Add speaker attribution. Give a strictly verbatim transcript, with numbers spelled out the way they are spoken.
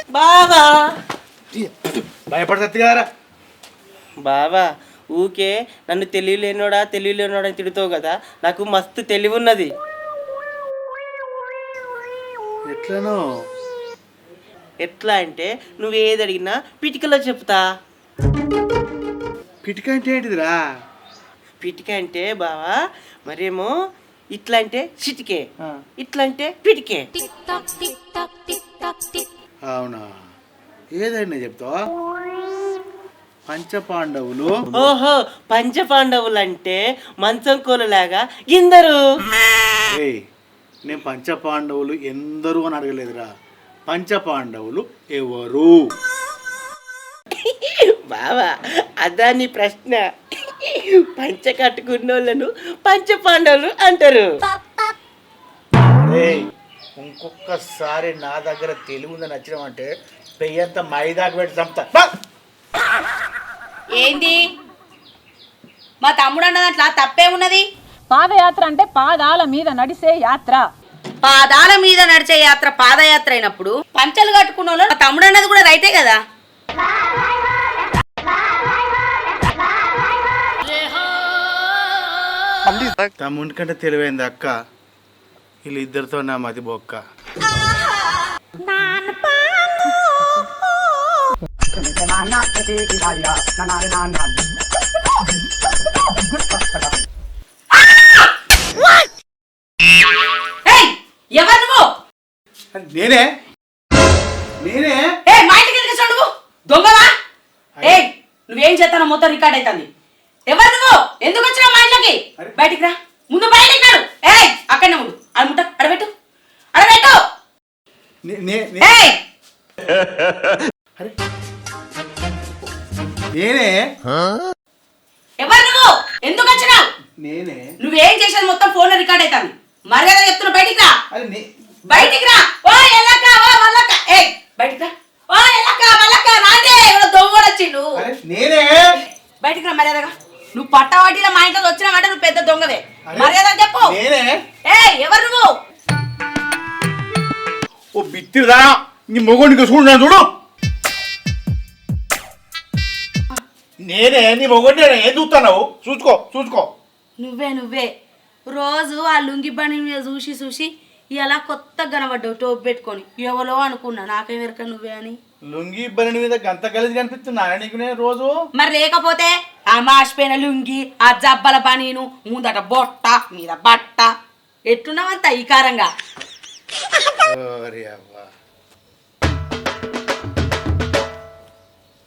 Speaker 1: బావా
Speaker 2: భయపడతది కదరా.
Speaker 1: బావా ఊకే నన్ను తెలియలేనోడా తెలియలేనోడా అని తిడుతావు కదా, నాకు మస్తు తెలివి ఉన్నది.
Speaker 2: ఎట్లనో
Speaker 1: ఎట్లా అంటే నువ్వు ఏది అడిగినా పిటికలో చెప్తా.
Speaker 2: పిటిక అంటే ఏంటిదిరా?
Speaker 1: పిటిక అంటే బావా మరేమో ఇట్లా అంటే చిటికే, ఇట్లా అంటే పిటికే.
Speaker 2: అవునా, ఏదైనా చెప్తావా? పంచపాండవులు.
Speaker 1: ఓహో, పంచ పాండవులు అంటే మంచం కోలలాగా ఇందరు.
Speaker 2: ఏయ్, నేను పంచపాండవులు ఎందరు అని అడగలేదురా, పంచపాండవులు ఎవరు?
Speaker 1: బావా అదా నీ ప్రశ్న. పంచ కట్టుకున్నోళ్ళను పంచ పాండవులు అంటారు.
Speaker 2: ఏయ్, ఇంకొకసారి నా దగ్గర తెలివి ఉందని నచ్చినామంటే పెయ్యంత మైదాకు పెట్టి చంపుతా.
Speaker 3: ఏంది మా తమ్ముడు అన్న దాంట్లో తప్పే ఉన్నది?
Speaker 4: పాదయాత్ర అంటే పాదాల మీద నడిసే యాత్ర.
Speaker 3: పాదాల మీద నడిచే యాత్ర పాదయాత్ర అయినప్పుడు పంచలు కట్టుకున్న వాళ్ళు మా తమ్ముడు అన్నది కూడా రైటే కదా.
Speaker 2: తమ్ముడి కంటే తెలివైంది అక్క, వీళ్ళిద్దరితో నా మతి బొక్క.
Speaker 3: ఎవరు నువ్వు?
Speaker 2: నేనే నేనే
Speaker 3: ఏ మా ఇంటికి ఎందుకు వచ్చావు నువ్వు? దొంగవా? ఏ నువ్వేం చేస్తానో మొత్తం రికార్డ్ అవుతుంది. ఎవరు నువ్వు? ఎందుకు వచ్చినావు మా ఇంట్లోకి? బయటికి రా, ముందు బయటికి రాడు. ఏ అక్కడనే ఉండు, అడుముట అడబెట్టు అడబెట్టు.
Speaker 2: నేనే
Speaker 3: ఎవరు నువ్వు? ఎందుకు వచ్చినావు?
Speaker 2: నేనే
Speaker 3: నువ్వేం చేసేది మొత్తం ఫోన్ లో రికార్డ్ అవుతుంది. మర్యాద చెప్తున్నా, బయటికి రా.
Speaker 2: అరే
Speaker 3: బయటికి రా. ఓ ఎల్లక్క, ఓ మల్లక్క, ఏ బయటికి రా. ఓ ఎల్లక్క మల్లక్క రాండి, ఎవరో దొంగ వచ్చిండు.
Speaker 2: నేనే
Speaker 3: బయటికి రా మర్యాదగా. నువ్వు పట్టవాటిలో మా ఇంట్లో వచ్చినావంటే నువ్వు పెద్ద దొంగవే. మర్యాద చెప్పు.
Speaker 2: నేనే
Speaker 3: ఏ ఎవరు నువ్వు?
Speaker 2: ఓ బిత్తిదా, నీ మొగోడికి చూడు చూడు. నేనే నీ మొగోడి, ఏం చూస్తున్నావు? చూసుకో చూసుకో.
Speaker 3: నువ్వే నువ్వే రోజు ఆ లుంగి బండి మీద చూసి చూసి ఇలా కొత్త కనబడ్డావు టోపు పెట్టుకొని. ఎవరో అనుకున్నా, నాకేం ఎరక నువ్వే అని.
Speaker 2: లుంగి బండి మీద గంత కలిసి కనిపిస్తున్నా నీకు నేను రోజు.
Speaker 3: మరి లేకపోతే ఆ మాసిపోయిన లుంగి, ఆ జబ్బల పనీను, ముందట బొట్ట మీద బట్ట, ఎట్టున్నావంత ఈకారంగా.